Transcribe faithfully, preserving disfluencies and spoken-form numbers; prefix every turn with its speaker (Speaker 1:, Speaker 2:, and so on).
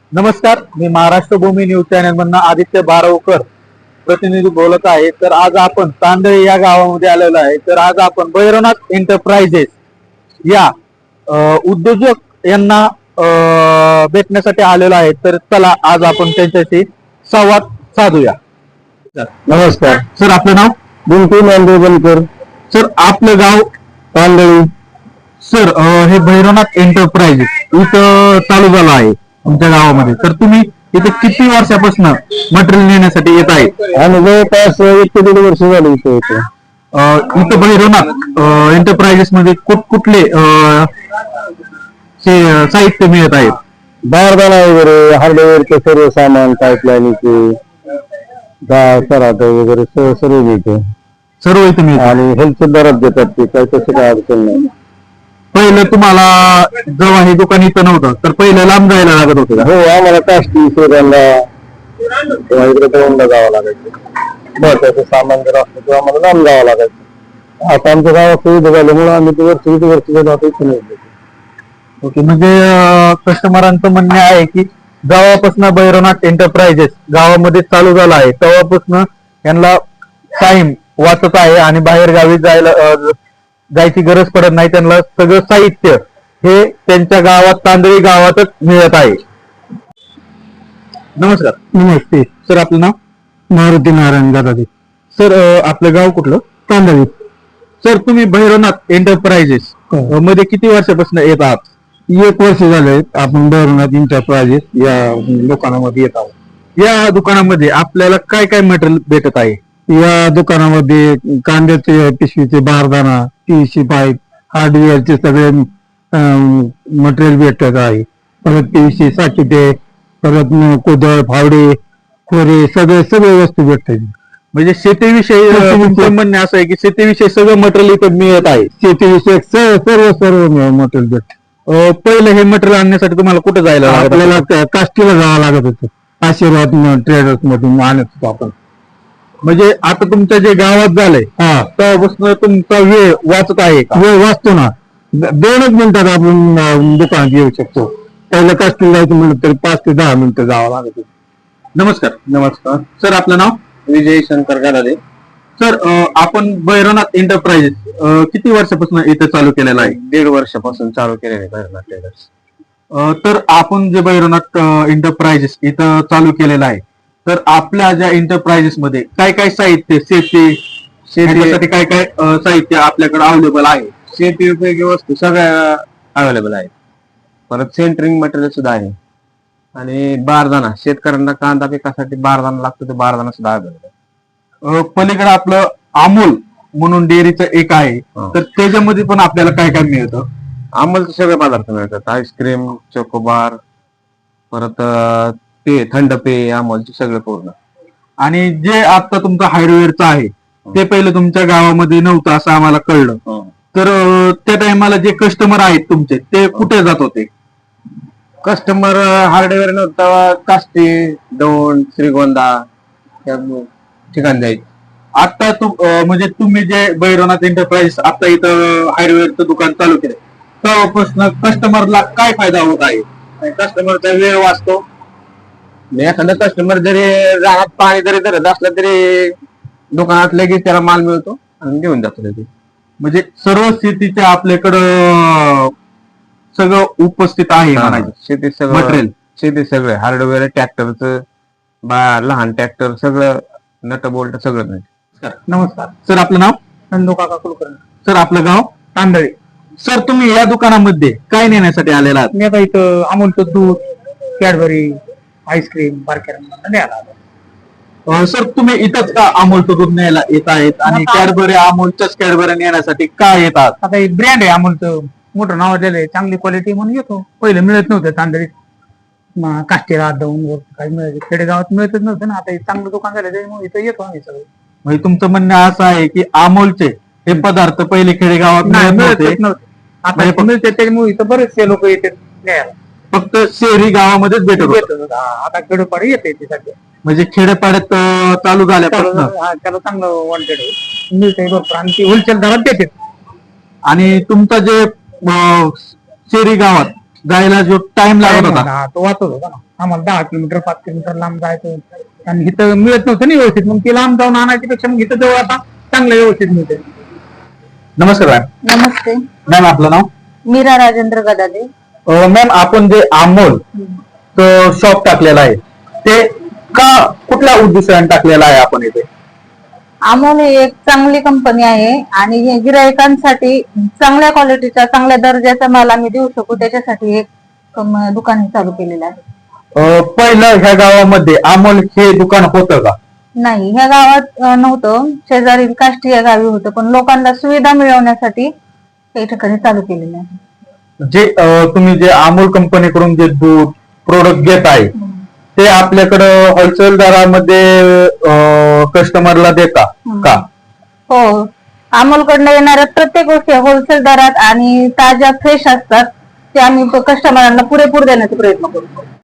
Speaker 1: नमस्कार, मी Maharashtra Bhumi news channel मधून आदित्य बारावकर प्रतिनिधी बोलत आहे। तर आज आपण तांदळी या गावामध्ये आलेलो आहे। तर आज आपण भैरवनाथ एंटरप्राइजेस या उद्योजक यांना भेटण्यासाठी आलेलो आहे। तर चला आज आपण त्यांच्याशी संवाद साधूया।
Speaker 2: नमस्कार
Speaker 1: सर, आपलं नाव?
Speaker 2: बिंटू नांदेवनकर।
Speaker 1: सर, आपलं गाव?
Speaker 2: तांदळी।
Speaker 1: सर, हे भैरवनाथ एंटरप्राइजेस इथं चालू झालं आहे तुमच्या गावामध्ये। तर तुम्ही इथे किती वर्षापासून मटेरियल नेण्यासाठी येत आहे?
Speaker 2: आणि जवळपास एक ते दीड वर्ष झाली इथे येतो।
Speaker 1: इथं भैरवनाथ एंटरप्राइजेस मध्ये कुठ कुठले साहित्य मिळत आहेत?
Speaker 2: बारदाना वगैरे, हार्डवेअरचे सर्व सामान, पाईपलाईनचे, डाळ सराट वगैरे सर्व सर्व मिळते।
Speaker 1: सर्व इथे मिळते
Speaker 2: आणि हेल्थ बरंच देतात ते, काही तसं काय अडचण नाही।
Speaker 1: पहिलं तुम्हाला जेव्हा हे दुकान इथं नव्हतं तर पहिलं लांब जायला लागत होतं का?
Speaker 2: हो, आम्हाला काष्टी शोधायला किंवा इकडे दौंडला जावं लागायचं। महत्वाचं सामान जर असलं तर आम्हाला लांब जावं लागायचं। आता आमच्या गावात सुविधा झाल्यामुळे आम्ही ते वर्ष किती वर्ष जातो इथे नाही।
Speaker 1: ओके, म्हणजे कस्टमरांचं म्हणणे आहे की जेव्हापासून भैरवनाथ एंटरप्राइजेस गावामध्ये चालू झाला आहे तेव्हापासून यांना टाइम वाचत आहे आणि बाहेर गावी जायला जायची गरज पडत नाही। त्यांना सगळं साहित्य हे त्यांच्या गावात, तांदळी गावातच मिळत आहे। नमस्कार।
Speaker 2: नमस्ते
Speaker 1: सर, आपलं नाव?
Speaker 2: मारुती नारायण दादाजी।
Speaker 1: सर, आपलं गाव कुठलं?
Speaker 2: तांदळी।
Speaker 1: सर, तुम्ही भैरवनाथ एंटरप्राइजेस मध्ये किती वर्षापासून येत आहात?
Speaker 2: एक वर्ष झाले आपण भैरवनाथ एंटरप्राइजेस या दुकानामध्ये येत आहोत।
Speaker 1: या दुकानामध्ये आपल्याला काय काय मटेरियल भेटत आहे?
Speaker 2: या दुकानामध्ये कांद्याचे पिशवीचे बारदाना, पीव्हीसी पाईप, हार्डवेअरचे सगळे मटेरियल भेटत आहे। परत पीव्हीसी साकिटे, परत कोदळ, फावडे, खोरे, सगळे सगळे वस्तू भेटतात।
Speaker 1: म्हणजे शेतीविषयी तुमचं म्हणणे असं आहे की शेतीविषयी सगळं मटेरियल इथं मिळत आहे?
Speaker 2: शेतीविषयक सर्व सर्व मटेरियल भेटत।
Speaker 1: पहिलं हे मटेरियल आणण्यासाठी तुम्हाला कुठे जायला लागत?
Speaker 2: आपल्याला काष्टीला जावं लागत होतं। आशीर्वाद ट्रेडर्स मधून आणत होतो आपण।
Speaker 1: म्हणजे आता तुमच्या जे गावात झालंय
Speaker 2: हा,
Speaker 1: तेव्हापासून तुमचा वेळ वाचत आहे का?
Speaker 2: वेळ वाचतो ना। दोनच मिनिटात आपण दुकानात येऊ शकतो। पहिलं काष्टीला जायचं म्हणलं तरी पाच ते दहा मिनिटं जावं लागत होतं।
Speaker 1: नमस्कार।
Speaker 2: नमस्कार।
Speaker 1: सर, आपलं नाव?
Speaker 2: विजय शंकर गालादे।
Speaker 1: सर, आपण भैरवनाथ एंटरप्राइजेस किती वर्षापासून इथे चालू केलेला आहे?
Speaker 2: दीड वर्षापासून चालू केलेले भैरवनाथ ट्रेडर्स।
Speaker 1: तर आपण जे भैरवनाथ एंटरप्राइजेस इथं चालू केलेलं आहे, तर आपल्या ज्या एंटरप्राइजेस मध्ये काय काय साहित्य, शेती शेतीसाठी काय काय साहित्य आपल्याकडे अवेलेबल आहे?
Speaker 2: शेती उपयोगी वस्तू सगळ्या अवेलेबल आहेत। परत सेंटरिंग मटेरियल सुद्धा आहे। आणि बारदाना, शेतकऱ्यांना कांदा पिकासाठी बारदाना लागतो, ते बारदाना सुद्धा अवेलेबल आहे।
Speaker 1: पलीकडे आपलं अमूल म्हणून डेअरीचं एक आहे, तर त्याच्यामध्ये पण आपल्याला काय काय मिळतं?
Speaker 2: अमूलचे सगळे पदार्थ मिळतात। आईस्क्रीम, चोकोबार, परत पे थंड पेय, अमूलचे सगळे पूर्ण।
Speaker 1: आणि जे आता तुमचं हार्डवेअरचं आहे ते पहिलं तुमच्या गावामध्ये नव्हतं असं आम्हाला कळलं। तर त्या टायमाला जे कस्टमर आहेत तुमचे ते कुठे जात होते?
Speaker 2: कस्टमर हार्डवेअर नव्हता, काष्टी, दौंड, श्रीगोंदा या ठिकाणी जायचे।
Speaker 1: आता तू म्हणजे तुम्ही जे भैरवनाथ एंटरप्राइजेस आता इथं हार्डवेअरचं दुकान चालू केलं तेव्हापासून कस्टमरला काय फायदा होत आहे?
Speaker 2: कस्टमरचा वेळ वाचतो। एखादा कस्टमर जरी रानात पाणी जरी धरत असलं तरी दुकानात लगेच त्याला माल मिळतो आणि घेऊन जातो लगेच।
Speaker 1: म्हणजे सर्व शेतीचे आपल्याकडं सगळं उपस्थित आहे म्हणायचं।
Speaker 2: शेती सगळं
Speaker 1: मटेरियल,
Speaker 2: शेती सगळं, हार्डवेअर, ट्रॅक्टरचं, लहान ट्रॅक्टर सगळं, नट बोल्ट सगळं मिळतं।
Speaker 1: नमस्कार। सर, आपलं नाव?
Speaker 2: नंदू काका कुलकर्णी।
Speaker 1: सर, आपलं गाव?
Speaker 2: तांदळी।
Speaker 1: सर, तुम्ही या दुकानामध्ये काय नेण्यासाठी आलेला आहात?
Speaker 2: मी आता इथं अमूलचं दूध, कॅडबरी, आईस्क्रीम, बारक्या।
Speaker 1: सर, तुम्ही इथंच का अमूलचं दूध न्यायला येत आहेत आणि कॅडबरी, अमूलच्याच कॅडबरी नेण्यासाठी का येतात?
Speaker 2: आता एक ब्रँड आहे अमूलचं, मोठं नाव दिलं आहे, चांगली क्वालिटी म्हणून येतो। पहिले मिळत नव्हतं तांदळीत, काष्टीला दौंड काही मिळायचं, खेडेगावात मिळतच नव्हतं ना। आता चांगलं दुकान झालं त्याच्यामुळे इथं येतो आम्ही सगळे।
Speaker 1: म्हणजे तुमचं म्हणणं असं आहे की अमूलचे हे पदार्थ पहिले खेडेगावात मिळत नव्हते,
Speaker 2: आता मिळते त्याच्यामुळे इथं बरेचसे लोक येतात न्यायला।
Speaker 1: फक्त शहरी गावामध्येच भेटत होतं।
Speaker 2: आता खेडोपाडी येते ते सध्या।
Speaker 1: म्हणजे खेड्यापाड्यात चालू झाल्यापासून
Speaker 2: त्याला चांगलं वॉन्टेड मिळते भरपूर आणि ती होलसेल दरात देते।
Speaker 1: आणि तुमचा जे शहरी गावात जायला जो टाइम लागत होता
Speaker 2: तो वाचत होता ना,
Speaker 3: आम्हाला दहा किलोमीटर पाच किलोमीटर लांब जायचं होतं आणि इथं मिळत नव्हतं ना व्यवस्थित, मग ती लांब जाऊन आणायची पेक्षा मग इथं जवळ आता चांगलं व्यवस्थित मिळते.
Speaker 1: नमस्कार मॅम.
Speaker 4: नमस्ते.
Speaker 1: मॅम आपलं नाव?
Speaker 4: मीरा राजेंद्र गदादे.
Speaker 1: मॅम आपण जे अमोल शॉप टाकलेला आहे ते का कुठल्या उद्देशाने टाकलेला आहे आपण इथे?
Speaker 4: अमोल ही एक चांगली कंपनी आहे आणि हे गिरायकांसाठी चांगल्या क्वालिटीचा चांगल्या दर्जाचा माल आम्ही देऊ शकू त्याच्यासाठी एक कम- दुकान चालू केलेलं आहे.
Speaker 1: अं, पहिलं ह्या गावामध्ये अमोल हे दुकान होतं का?
Speaker 4: नाही, ह्या गावात अं, नव्हतं, शेजारील काष्टी या गावी होतं, पण लोकांना सुविधा मिळवण्यासाठी या ठिकाणी चालू केलेलं आहे.
Speaker 1: जे अं, तुम्ही जे अमोल कंपनीकडून जे दूध प्रोडक्ट घेत आहे ते आपल्याकडं होलसेल दरामध्ये कस्टमरला देता का?
Speaker 4: हो, अमोलकडनं येणाऱ्या प्रत्येक गोष्टी होलसेल दरात आणि ताज्या फ्रेश असतात, ते आम्ही कस्टमरांना पुरेपूर देण्याचा प्रयत्न करतो.